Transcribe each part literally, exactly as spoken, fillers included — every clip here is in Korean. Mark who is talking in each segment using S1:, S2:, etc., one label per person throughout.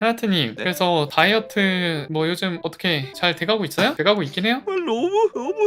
S1: 하야트님,
S2: 네?
S1: 그래서 다이어트 뭐 요즘 어떻게 잘 돼가고 있어요? 돼가고 있긴 해요?
S2: 아, 너무 너무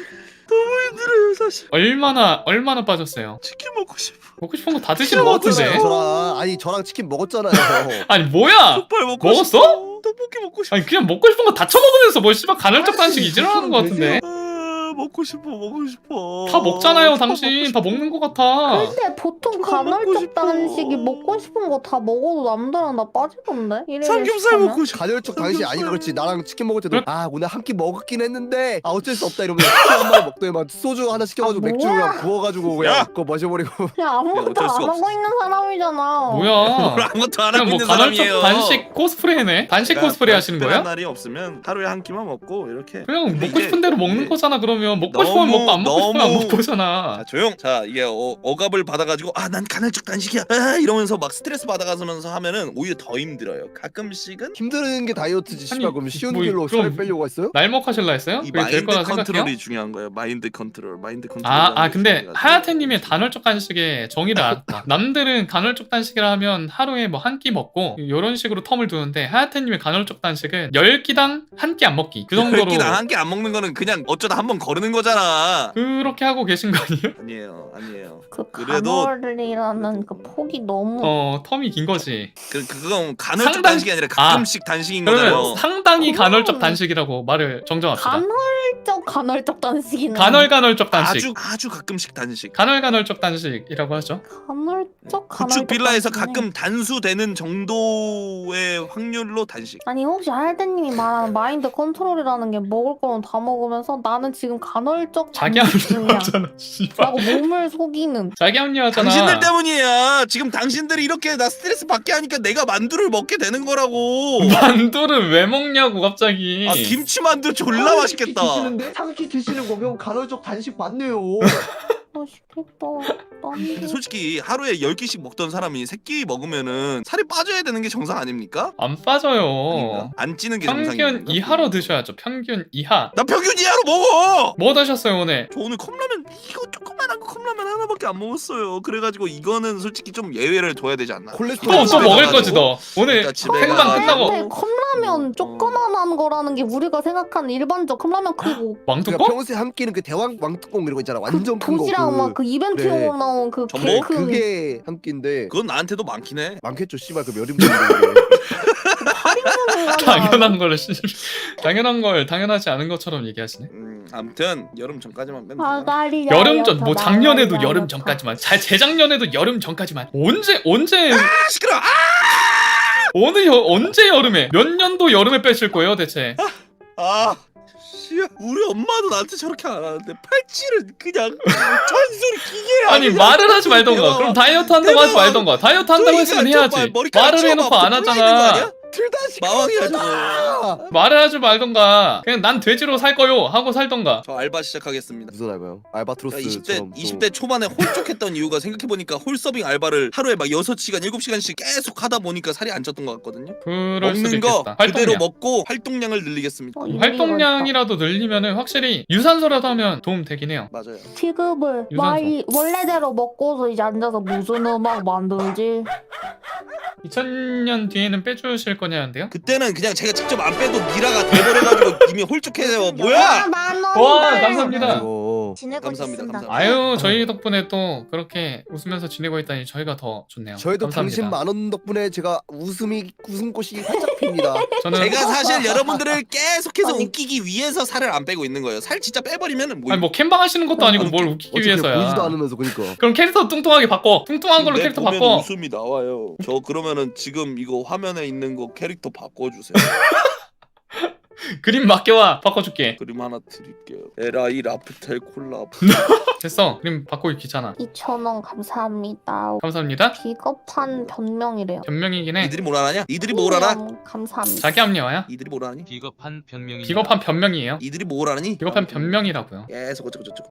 S2: 너무 힘들어요 사실.
S1: 얼마나 얼마나 빠졌어요?
S2: 치킨 먹고 싶어.
S1: 먹고 싶은 거 다
S3: 치킨
S1: 드시는 것
S3: 먹었잖아요
S1: 같은데?
S3: 저랑. 아니 저랑 치킨 먹었잖아요.
S1: 아니 뭐야?
S2: 족발 먹고
S1: 먹었어?
S2: 싶어. 떡볶이 먹고 싶어.
S1: 아니 그냥 먹고 싶은 거 다 처먹으면서 뭐 씨발 간헐적 단식 이지랄하는 것 같은데?
S2: 아, 먹고 싶어 먹고 싶어.
S1: 다 먹잖아요
S2: 족발
S1: 당신.
S2: 먹고
S1: 다
S2: 싶어.
S1: 먹는 것 같아.
S4: 근데 보통
S2: 그거 먹고
S4: 간헐적
S2: 싶어.
S4: 단식이 먹고 싶은 거 다 먹어도 남들랑 나 빠지던데? 일일
S2: 삼겹살
S4: 일식하면?
S2: 먹고 싶어.
S3: 간헐적 당시 아니가 그렇지. 나랑 치킨 먹을 때도
S1: 그래?
S3: 아 오늘 한 끼 먹었긴 했는데 아 어쩔 수 없다 이러면 치킨 한 마리 먹더니만 소주 하나 시켜가지고
S4: 아,
S3: 맥주
S4: 뭐야?
S3: 그냥 부어가지고 그냥
S2: 야!
S3: 그거 마셔버리고.
S4: 그냥 아무것도
S2: 어쩔 수가
S4: 안 하고
S2: 없어.
S4: 있는 사람이잖아.
S2: 뭘
S1: 뭐야?
S2: 아무것도 안
S1: 그냥
S2: 하고
S1: 뭐
S2: 있는
S1: 간헐적
S2: 사람이에요.
S1: 단식 코스프레네? 단식
S2: 그러니까
S1: 코스프레 하시는
S2: 특별한
S1: 거예요?
S2: 날이 없으면 하루에 한 끼만 먹고 이렇게.
S1: 그냥
S2: 근데
S1: 먹고
S2: 이제
S1: 싶은 대로 먹는
S2: 이게
S1: 거잖아. 그러면 먹고
S2: 너무-
S1: 싶으면 먹고 안 먹고 싶으면 안
S2: 너무-
S1: 먹고 잖아.
S2: 자 조용. 자 이게 어, 억압을 받아가지고 아 난 간헐적 단식이야 아, 이러면서 막 스트레스 받아가면서 하면은 오히려 더 힘들어요. 가끔씩은
S3: 힘든 게 다이어트지 씨발.
S1: 아니,
S3: 그럼 쉬운
S1: 뭐,
S3: 길로
S1: 그럼-
S3: 살을 빼려고 했어요?
S1: 날먹하실라 했어요?
S2: 이
S1: 그게 될
S2: 마인드
S1: 거라
S2: 컨트롤이
S1: 생각해요?
S2: 중요한 거예요. 마인드 컨트롤, 마인드 컨트롤.
S1: 아, 아 근데 하야테님의 간헐적 단식의 정의를 알았다. 남들은 간헐적 단식이라 하면 하루에 뭐 한 끼 먹고 이런 식으로 텀을 두는데 하야테님의 간헐적 단식은 열 끼당 한 끼 안 먹기. 그 정도로
S2: 끼당 한 끼 안 먹는 거는 그냥 어쩌다 한 번 거르는 거잖아.
S1: 그렇게 하고 계신 거 아니에요?
S2: 아니에요, 아니에요.
S4: 그
S2: 그래도-
S4: 간헐이라는 그 폭이 너무
S1: 어, 텀이 긴 거지.
S2: 그 그건 간헐적
S1: 상당-
S2: 단식이 아니라 가끔씩 단식인
S1: 그러면
S2: 거잖아요.
S1: 상당히
S4: 그건-
S1: 간헐적 단식이라고 말을 정정합시다.
S4: 간헐적 간헐적 단식이네.
S1: 간헐 간헐적 단식.
S2: 아주 아주 가끔씩 단식.
S1: 간헐 간헐적 단식이라고 하죠.
S4: 간헐적 간헐적
S2: 구축 빌라에서
S4: 단식이네.
S2: 가끔 단수되는 정도의 확률로 단식.
S4: 아니 혹시 하야테님이 말하는 마인드 컨트롤이라는 게 먹을 거는 다 먹으면서 나는 지금 간헐적
S1: 자기
S4: 단식 중이야
S1: 합리화잖아. 씨발.
S4: 라고 몸을 속이는.
S1: 자기 합리화잖아.
S2: 당신들 때문이야. 지금 당신들이 이렇게 나 스트레스 받게 하니까 내가 만두를 먹게 되는 거라고.
S1: 만두를 왜 먹냐고 갑자기.
S2: 아 김치 만두 졸라 맛있겠다.
S3: 삼키 드시는 거 그럼 간헐적 단식 맞네요.
S4: 맛있겠다.
S2: 근데
S4: 나는
S2: 솔직히 하루에 열 끼씩 먹던 사람이 세 끼 먹으면은 살이 빠져야 되는 게 정상 아닙니까?
S1: 안 빠져요.
S2: 아닌가? 안 찌는 게
S1: 평균
S2: 정상인가?
S1: 이하로 드셔야죠. 평균 이하.
S2: 나 평균 이하로 먹어.
S1: 뭐 드셨어요 오늘?
S2: 저 오늘 컵라면 이거 조그만한 거 컵라면 하나밖에 안 먹었어요. 그래가지고 이거는 솔직히 좀 예외를 둬야 되지 않나?
S3: 콜레스테롤
S1: 또 또
S2: 집에
S1: 먹을
S2: 가가지고.
S1: 거지 너. 오늘
S2: 그러니까 집에
S1: 생방
S2: 가가지고.
S1: 끝나고
S4: 근데 컵라면 조그만한 거라는 게 우리가 생각하는 일반적 컵라면 크고
S3: 그러니까
S1: 왕뚜껑?
S3: 평소에 한 끼는 그 대왕 왕뚜껑 이런 거 있잖아. 완전 큰 거.
S4: 도시락
S3: 그,
S4: 막 그 이벤트용으로
S3: 그래.
S4: 나온 그
S2: 전복?
S4: 개 큰
S3: 그게 한 끼인데
S2: 그건 나한테도 많긴 해.
S3: 많겠죠. 씨발 그 몇 인분인데.
S1: 당연한 걸 씨. 당연한 걸 당연하지 않은 것처럼 얘기하시네.
S2: 음, 아무튼 여름 전까지만 빼면
S4: 아,
S2: 되나?
S4: 날이
S1: 여름 전
S4: 야였다,
S1: 뭐 작년에도
S4: 날이
S1: 여름
S4: 야였다.
S1: 전까지만. 자, 재작년에도 여름 전까지만. 언제 언제
S2: 아 시끄러. 아!
S1: 어느 여, 언제 여름에 몇 년도 여름에 빼실 거예요 대체?
S2: 아, 씨, 우리 엄마도 나한테 저렇게 안 하는데 팔찌를 그냥 잔소리 기계
S1: 아니 말을 하지 말던가. 그럼 다이어트 한다고 하지 말던가. 다이어트 한다고 했으면 해야지. 말을 해놓고 안 하잖아.
S3: 둘다
S2: 마왕이야 저거.
S1: 말을 하지 말던가. 그냥 난 돼지로 살 거요 하고 살던가.
S2: 저 알바 시작하겠습니다.
S3: 무슨 알바요?
S2: 야,
S3: 알바트로스처럼.
S2: 이십 대
S3: 또-
S2: 이십 대 초반에 홀쭉했던 이유가 생각해보니까 홀서빙 알바를 하루에 막 여섯 시간 일곱 시간씩 계속 하다 보니까 살이 안 쪘던 것 같거든요.
S1: 그럴 수도
S2: 먹는 거
S1: 있겠다.
S2: 그대로
S1: 활동량.
S2: 먹고 활동량을 늘리겠습니다.
S4: 어, 일리가
S1: 활동량이라도 늘리면은 확실히 유산소라도 하면 도움 되긴 해요.
S2: 맞아요.
S4: 있다. 지급을
S1: 유산소.
S4: 와이 원래대로 먹고서 이제 앉아서 무슨 음악 만들지?
S1: 이천 년 뒤에는 빼주실 거냐는데요?
S2: 그때는 그냥 제가 직접 안 빼도 미라가 돼버려가지고 이미 홀쭉해요. 뭐야?
S1: 와 감사합니다.
S3: 아이고.
S5: 지내고
S2: 감사합니다,
S5: 있습니다.
S2: 감사합니다.
S1: 아유 저희 덕분에 또 그렇게 웃으면서 지내고 있다니 저희가 더 좋네요.
S3: 저희도
S1: 감사합니다.
S3: 당신 만원 덕분에 제가 웃음이 웃음꽃이 활짝 핍니다.
S1: 저는
S2: 제가 사실 여러분들을 계속해서
S4: 아니.
S2: 웃기기 위해서 살을 안 빼고 있는 거예요. 살 진짜 빼버리면은 뭐
S1: 아니 뭐 캠방 하시는 것도 아니고 뭘 웃기기
S3: 어차피 보이지도
S1: 위해서야.
S3: 않으면서 그러니까.
S1: 그럼 캐릭터 뚱뚱하게 바꿔. 뚱뚱한 걸로
S2: 내
S1: 캐릭터
S2: 보면
S1: 바꿔.
S2: 웃음이 나와요. 저 그러면은 지금 이거 화면에 있는 거 캐릭터 바꿔주세요.
S1: 그림 맡겨와 바꿔줄게.
S2: 그림 하나 드릴게요. 에라이 라프텔 콜라.
S1: 됐어. 그림 바꾸기 귀찮아.
S4: 이천 원 감사합니다.
S1: 감사합니다.
S4: 비겁한 변명이래요.
S1: 변명이긴 해.
S2: 니들이 뭘 알아냐? 니들이 뭘 알아?
S4: 음, 감사합니다.
S1: 자기 합리화야.
S2: 니들이 뭘 알아니?
S6: 비겁한 변명입니다.
S1: 비겁한 변명이에요.
S2: 니들이 뭘 알아니?
S1: 비겁한 변명이라고요.
S2: 계속 어쩌고 저쩌고.